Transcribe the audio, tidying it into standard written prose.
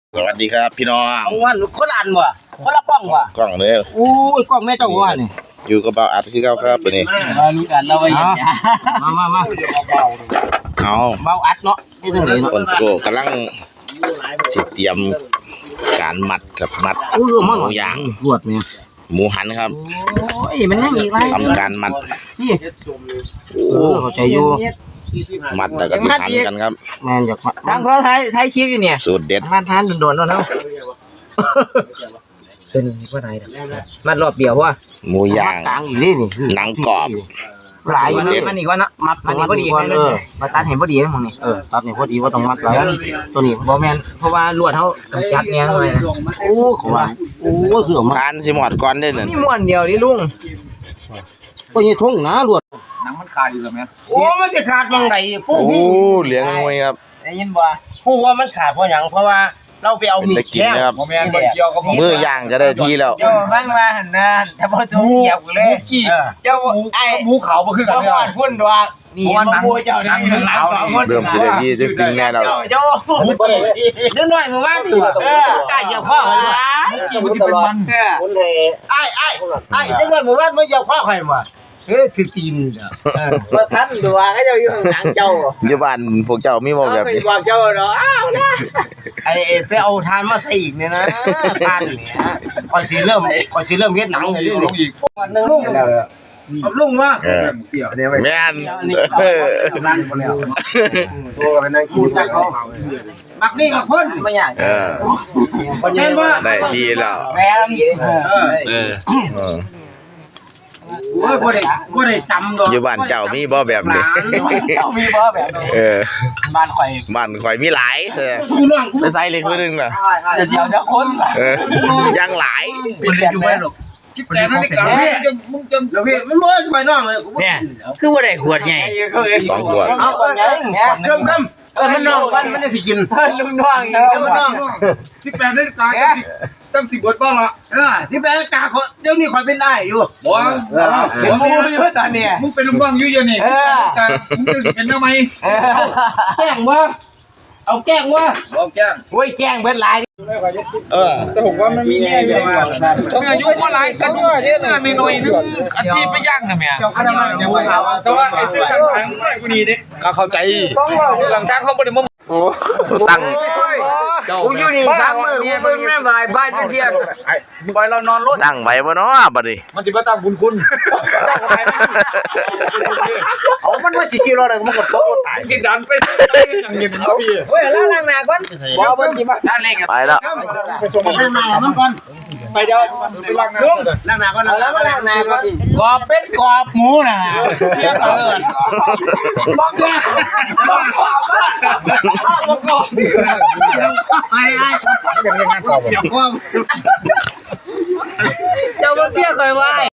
สวัสดีครับพี่น้องเอาวันคนละอันบ่คนละกล้องบ่กล้องเลยอู้ยกล้องแม่เจ้าว่านี่อยู่กับเบาอัดคือเก่าครับตัวนี้มาลุ้นกันเราไปเห็นมาเอาเบาอัดเนาะนี่จังได๋เนาะคนโกกำลังสิเตรียมการมัดครับมัดหมูย่างรวดแม่หมูหันครับโอ้ยมันยังอีกไรทำการมัดนี่เข้าใจอยู่มัดแล้วก็สิหันกันครับแม่นอยากทางเพราะไทยคลิปอยู่เนี่ยสูตรเด็ดมาทานโดนๆเนาะเป็นว่าไหนมัดรอบเดียวว่าหมูย่างกลางอยู่นี่หนังกรอบหลายมันอีกว่านะมัดมันพอดีมาตัดเห็นพอดีนะมึงนี่ตัดเห็นพอดีว่าต้องมัดหลายตัวนี้บ่แม่นเพราะว่าลวดเขากำจัดเนี่ยหน่อยนะโอ้เขาว่าโอ้คือออกมาทานสิหมดก่อนได้นั่นนี่ม้วนเดียวดิลุงก็ยังทุ่งนะลวดหนังมันขาดอยู่แบบนี้โอ้มันจะขาดมังไหนโอ้เหลืองงวยครับได้ยินบ่พูดว่ามันขาดเพราะหยังเพราะว่าเราไปเอามีดแก้ครับมือย่างจะได้ทีแล้วเจ้าบ้านมาหันนะแต่พอจะเหยียบเลยเจ้าไอ้หมูเขาบ่คือกันเนี่ยพุ่นว่านี่มันบ่เจ้านั่งหลังเริ่มสิได้ทีจะกินแน่แล้วเจ้าเดี๋ยวหน่อยมาว่าดิกล้าเหยียบพ่อเลยกินมันสิเป็นมันไอ้เดี๋ยวหน่อยมาว่าไม่เหยียบพ่อใครมาถือตีนว่าท่านดูว่าให้เจ้าอยู่ข้างหลังเจ้าอยู่บ้านพวกเจ้ามีบ่แบบนี้บอกเจ้าเนาะอ้าวนะไอ้ไปเอาทานมาใส่อีกเนี่ยนะทานเนี่ยคอยสิเริ่มเฮ็ดหนังเลยลงอีกวันนึงลุงว่าแม่นตัวเป็นนางกูจักเขาบักนี่บักพ่นไม่อยากแม่นว่าได้ทีแล้วแม่โอ้ยบ่ได้จำดอกอยู่บ้านเจ้ามีบ่แบบนี้เจ้ามีบ่แบบนี้บ้านข่อยมีหลายไปใส่เล็กนิดนึงน่ะเดี๋ยวจะคนยังหลายเป็นอยู่แม่หรอกคิดแต่นั่นนี่กันมึงจังแล้วพี่มันบ่ข่อยน้องเลยเนี่ยคือบ่ได้ขวดใหญ่ 2ขวดเอาขวดใหญ่กำมันน้องมันจะสิกินลุงน้องมันน้อง 18นาฬิกาตั้ง10บทบ้างละ 18นาฬิกาเดี๋ยวนี้ข่อยเป็นได้อยู่บ่ผมอยู่ตอนนี้มึงเป็นลุงน้องอยู่นี่มึงจะเป็นทำไมแกล้งบ่เอาแกล้งบ่เอาแกล้งโอ้ยแกล้งเบิดหลายแต่ผมว่ามันมีแน่อยู่ต้องอายุว่าหลายกันด้วยเนี่ยหน่อยนึงอาชีพไปย่างนะแม่แต่ว่าไอ้ซื้อทางกูนี่ดิก็เข้าใจหลังทางเขาบ่ได้มาตั้งกูอยู่นี่3มื้อกูเบิ่งแม่บ่ายเที่ยงปล่อยเรานอนรถตั้งไว้บ่เนาะบัดนี้มันสิบ่ตามบุญคุณเอามันว่าสิกิโลนึงมันก็โตตายสิดันไปอย่างเงี้ยพี่เฮ้ยล้างหน้าก่อนบ่เบิ่งสิมาล้างเล็กไปแล้วไปส่งล้างหน้ามันก่อนไปเดี๋ยวไปล้างหน้าก่อนแล้วล้างหน้าก่อนกอบเป็ดกอบหมูน่ะเรียกเอาเลยบอกแกบอกกอบบอกกอบไอ้เดี๋ยวยังงานกอบเสียบความเจ้าบ่เสียบเลยว่า